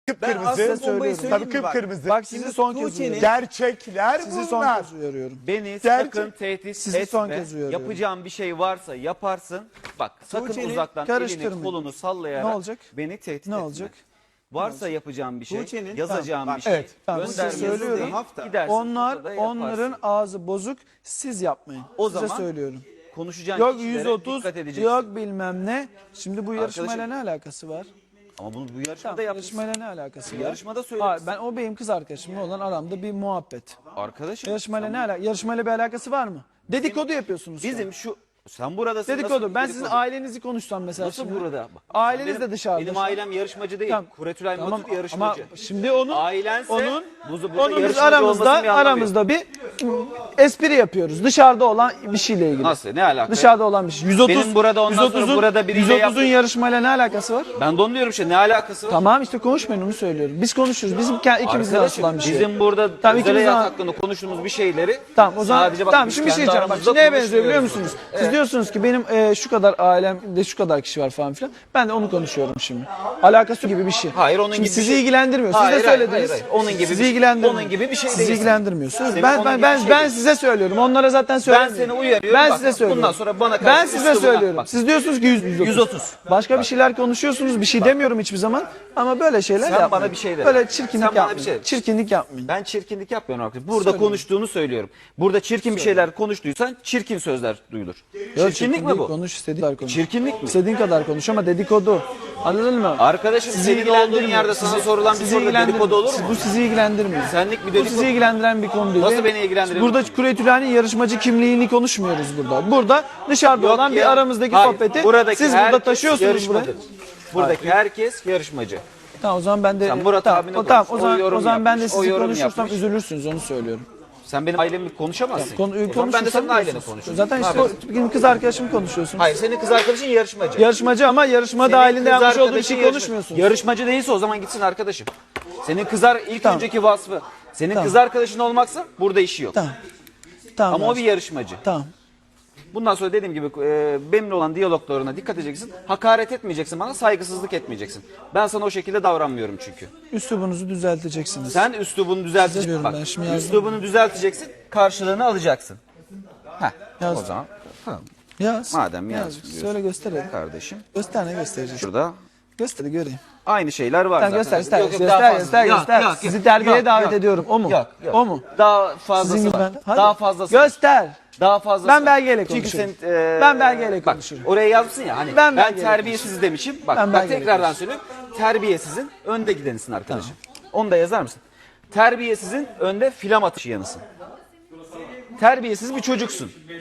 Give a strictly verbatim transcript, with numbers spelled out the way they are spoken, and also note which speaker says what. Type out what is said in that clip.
Speaker 1: Ben
Speaker 2: Kıpkırmızı.
Speaker 1: aslında bombayı söyleyeyim
Speaker 2: Tabii
Speaker 1: mi bak?
Speaker 2: kıpkırmızı.
Speaker 1: Bak
Speaker 2: Şimdi
Speaker 1: sizi son kez
Speaker 2: Tuğçe'nin
Speaker 1: uyarıyorum.
Speaker 2: gerçekler
Speaker 1: Sizi son
Speaker 2: bunlar.
Speaker 1: kez uyarıyorum.
Speaker 3: Beni
Speaker 2: Gerçek-
Speaker 3: sakın tehdit
Speaker 1: Sizi son
Speaker 3: etme.
Speaker 1: kez uyarıyorum.
Speaker 3: Yapacağım bir şey varsa yaparsın. Bak sakın
Speaker 1: Tuğçe'nin
Speaker 3: uzaktan
Speaker 1: karıştırmayın.
Speaker 3: elini kolunu sallayarak
Speaker 1: Ne olacak?
Speaker 3: beni tehdit
Speaker 1: Ne
Speaker 3: etme.
Speaker 1: olacak?
Speaker 3: Varsa yapacağım bir şey,
Speaker 2: Tuğçe'nin-
Speaker 3: yazacağım
Speaker 2: Tamam,
Speaker 3: bir şey,
Speaker 2: evet.
Speaker 1: Tamam, size
Speaker 3: göndermenizi
Speaker 1: söylüyorum.
Speaker 3: değil,
Speaker 2: Hafta.
Speaker 3: gidersin,
Speaker 1: Onlar
Speaker 3: ortada yaparsın.
Speaker 1: onların ağzı bozuk. Siz yapmayın.
Speaker 3: O
Speaker 1: Size
Speaker 3: zaman
Speaker 1: söylüyorum.
Speaker 3: konuşacağın
Speaker 1: Yok
Speaker 3: kişilere
Speaker 1: yüz otuz,
Speaker 3: dikkat edeceksin.
Speaker 1: yok bilmem ne. Şimdi bu yarışmayla
Speaker 3: Arkadaşım-
Speaker 1: ne alakası var?
Speaker 3: Ama bunu bu yarışmada
Speaker 1: Tamam,
Speaker 3: yapmışsın.
Speaker 1: yarışmayla ne alakası var?
Speaker 3: Yarışmada söylemişsin.
Speaker 1: Hayır, ben o benim kız arkadaşımla olan aramda bir muhabbet.
Speaker 3: Arkadaşım
Speaker 1: Yarışmayla ne alakası? Yarışmayla bir alakası var mı? Dedikodu yapıyorsunuz. şu an.
Speaker 3: bizim şu sen buradasın.
Speaker 1: Dedikodu.
Speaker 3: nasıl
Speaker 1: Ben
Speaker 3: dedikodu?
Speaker 1: sizin ailenizi konuşsam mesela
Speaker 3: Nasıl
Speaker 1: şimdi.
Speaker 3: burada? Bak,
Speaker 1: Aileniz
Speaker 3: benim-
Speaker 1: de dışarıda.
Speaker 3: Benim
Speaker 1: şu an.
Speaker 3: ailem yarışmacı değil.
Speaker 1: Tamam.
Speaker 3: Kuretülay
Speaker 1: Tamam,
Speaker 3: Matut yarışmacı.
Speaker 1: ama şimdi onun
Speaker 3: Ailense
Speaker 1: onun
Speaker 3: bu- burada
Speaker 1: onun biz
Speaker 3: yarışmacı
Speaker 1: aramızda
Speaker 3: olmasının bir anlamı yok.
Speaker 1: aramızda bir ım, espri yapıyoruz. Dışarıda olan bir şeyle ilgili.
Speaker 3: Nasıl? Ne alaka?
Speaker 1: Dışarıda olan bir şey. yüz otuz
Speaker 3: Benim burada ondan sonra
Speaker 1: yüz otuzun
Speaker 3: burada biriyle
Speaker 1: yüz otuzun
Speaker 3: yaptım.
Speaker 1: yarışmayla ne alakası var?
Speaker 3: Ben de onu diyorum işte ne alakası var?
Speaker 1: Tamam işte konuşmayın onu söylüyorum. Biz konuşuyoruz. Bizim ke- ikimizin
Speaker 3: Arkadaşım,
Speaker 1: asılan bir şey.
Speaker 3: bizim burada
Speaker 1: Tamam,
Speaker 3: özel
Speaker 1: ikimizin-
Speaker 3: hayat hakkında konuştuğumuz bir şeyleri
Speaker 1: Tamam o zaman
Speaker 3: sadece bak
Speaker 1: tamam
Speaker 3: biz
Speaker 1: şimdi bir şey
Speaker 3: kendi
Speaker 1: diyeceğim. Bak
Speaker 3: aramızda
Speaker 1: şimdi neye benziyor biliyor
Speaker 3: konuşmuyoruz.
Speaker 1: musunuz? Siz diyorsunuz ki benim e, şu kadar ailemde şu kadar kişi var falan filan. Ben de onu konuşuyorum şimdi. Alakası gibi bir şey.
Speaker 3: Hayır, onun
Speaker 1: şimdi
Speaker 3: gibi bir
Speaker 1: sizi
Speaker 3: şey.
Speaker 1: ilgilendirmiyor. Siz
Speaker 3: Hayır,
Speaker 1: de
Speaker 3: hayır,
Speaker 1: söylediniz.
Speaker 3: hayır, hayır. Onun gibi
Speaker 1: sizi
Speaker 3: bir şey-
Speaker 1: ilgilendirmiyor.
Speaker 3: onun gibi bir şey
Speaker 1: Sizi
Speaker 3: değil.
Speaker 1: ilgilendirmiyorsunuz.
Speaker 3: Senin
Speaker 1: Ben
Speaker 3: onun
Speaker 1: ben
Speaker 3: gibi
Speaker 1: ben,
Speaker 3: bir şey
Speaker 1: ben
Speaker 3: değil.
Speaker 1: size söylüyorum. Onlara zaten
Speaker 3: Ben
Speaker 1: söylemiyorum.
Speaker 3: seni uyarıyorum.
Speaker 1: Ben
Speaker 3: Bak,
Speaker 1: size söylüyorum.
Speaker 3: bundan sonra bana karşı
Speaker 1: Ben size
Speaker 3: üslubuna-
Speaker 1: söylüyorum.
Speaker 3: bak.
Speaker 1: Siz diyorsunuz ki yüz, yüz otuz. Başka bir şeyler konuşuyorsunuz. Bir şey demiyorum hiçbir zaman. Ama böyle şeyler
Speaker 3: Sen
Speaker 1: yapmayın.
Speaker 3: bana bir şey de.
Speaker 1: Böyle çirkinlik
Speaker 3: Sen bana bir
Speaker 1: yapmayın.
Speaker 3: şey de.
Speaker 1: Çirkinlik yapmayın.
Speaker 3: Ben çirkinlik yapmıyorum arkadaşım. Burada konuştuğunu söylüyorum. Burada çirkin bir şeyler konuştuysan çirkin sözler duyulur.
Speaker 1: Yok,
Speaker 3: Çirkinlik mi bu?
Speaker 1: Konuş istediğin kadar konuş.
Speaker 3: Çirkinlik mi?
Speaker 1: İstediğin kadar konuş ama dedikodu. Anladın mı?
Speaker 3: Arkadaşım
Speaker 1: Sizi
Speaker 3: senin olduğun
Speaker 1: ilgilendirmiyor.
Speaker 3: yerde sana
Speaker 1: Sizi-
Speaker 3: sorulan bir
Speaker 1: sizi
Speaker 3: soruda
Speaker 1: ilgilendirmiyor.
Speaker 3: dedikodu olur mu?
Speaker 1: Bu sizi ilgilendirmiyor.
Speaker 3: Senlik bir
Speaker 1: Bu
Speaker 3: dedikodu.
Speaker 1: sizi ilgilendiren bir konu değil.
Speaker 3: Nasıl beni ilgilendiriyor?
Speaker 1: Burada Kuretülay'ın yarışmacı kimliğini konuşmuyoruz burada. Burada dışarıda
Speaker 3: Yok
Speaker 1: olan
Speaker 3: ya.
Speaker 1: bir aramızdaki
Speaker 3: Hayır,
Speaker 1: sohbeti
Speaker 3: buradaki
Speaker 1: siz burada
Speaker 3: herkes
Speaker 1: taşıyorsunuz
Speaker 3: yarışmacı.
Speaker 1: buraya.
Speaker 3: Buradaki herkes yarışmacı.
Speaker 1: Tamam o zaman ben de
Speaker 3: Sen Murat
Speaker 1: tamam,
Speaker 3: abine
Speaker 1: o, tamam, o
Speaker 3: konuş. O
Speaker 1: zaman
Speaker 3: yorum
Speaker 1: o zaman ben de
Speaker 3: yapmış, o
Speaker 1: sizi
Speaker 3: yorum
Speaker 1: konuşursam
Speaker 3: yapmış.
Speaker 1: üzülürsünüz onu söylüyorum.
Speaker 3: Sen benim ailemi konuşamazsın.
Speaker 1: Konu,
Speaker 3: O zaman ben de
Speaker 1: konuşursam
Speaker 3: senin aileni
Speaker 1: üzülürsünüz.
Speaker 3: konuşurum.
Speaker 1: Zaten
Speaker 3: Ne
Speaker 1: işte
Speaker 3: yapıyorsun?
Speaker 1: benim kız arkadaşımı konuşuyorsunuz.
Speaker 3: Hayır, senin kız arkadaşın yarışmacı.
Speaker 1: Yarışmacı ama yarışma
Speaker 3: Senin
Speaker 1: dahilinde
Speaker 3: kız
Speaker 1: yapmış olduğu bir
Speaker 3: arkadaşın
Speaker 1: şey
Speaker 3: yarışma-
Speaker 1: konuşmuyorsunuz.
Speaker 3: Yarışmacı değilse o zaman gitsin arkadaşım. Senin kızar ilk
Speaker 1: Tamam.
Speaker 3: önceki vasfı. Senin
Speaker 1: Tamam.
Speaker 3: kız arkadaşın olmaksa burada işi yok.
Speaker 1: Tamam. Tamam.
Speaker 3: Ama o bir
Speaker 1: Rasim.
Speaker 3: yarışmacı.
Speaker 1: Tamam.
Speaker 3: Bundan sonra dediğim gibi e, benimle olan diyaloglarına dikkat edeceksin. Hakaret etmeyeceksin bana, saygısızlık etmeyeceksin. Ben sana o şekilde davranmıyorum çünkü.
Speaker 1: Üslubunuzu düzelteceksiniz.
Speaker 3: Sen üslubunu düzelteceksin.
Speaker 1: diyorum
Speaker 3: Bak,
Speaker 1: ben, şimdi yazdım.
Speaker 3: üslubunu düzelteceksin, karşılığını alacaksın. Heh,
Speaker 1: Yazdım.
Speaker 3: o zaman tamam.
Speaker 1: Yaz.
Speaker 3: Madem
Speaker 1: Yaz.
Speaker 3: yaz diyorsun.
Speaker 1: Söyle göster hadi.
Speaker 3: Kardeşim
Speaker 1: Göster ne göstereceksin?
Speaker 3: şurada
Speaker 1: Göster göreyim.
Speaker 3: aynı şeyler var
Speaker 1: Tamam
Speaker 3: zaten.
Speaker 1: göster göster
Speaker 3: Yok, yok,
Speaker 1: göster
Speaker 3: daha fazla.
Speaker 1: göster
Speaker 3: Yok,
Speaker 1: göster.
Speaker 3: yok, yok.
Speaker 1: Sizi terbiye
Speaker 3: Yok,
Speaker 1: davet
Speaker 3: yok.
Speaker 1: ediyorum. O mu?
Speaker 3: Yok, yok.
Speaker 1: O mu?
Speaker 3: Daha fazlası
Speaker 1: Sizin gibi
Speaker 3: var.
Speaker 1: ben. Hadi.
Speaker 3: Daha fazlası. var.
Speaker 1: Göster.
Speaker 3: Daha fazlası.
Speaker 1: Ben
Speaker 3: var.
Speaker 1: belgeyle
Speaker 3: Çünkü
Speaker 1: konuşurum.
Speaker 3: sen, e,
Speaker 1: Ben belgeyle
Speaker 3: bak,
Speaker 1: konuşurum.
Speaker 3: oraya yazmışsın ya hani
Speaker 1: Ben
Speaker 3: ben,
Speaker 1: belgeyle
Speaker 3: terbiyesiz demişim. Bak,
Speaker 1: Ben
Speaker 3: bak
Speaker 1: belgeyle
Speaker 3: tekrardan söylüyorum. Terbiyesizin önde gidenisin arkadaşım. Onu da yazar mısın? Terbiyesizin önde filam atışı yanısın. Terbiyesiz bir çocuksun.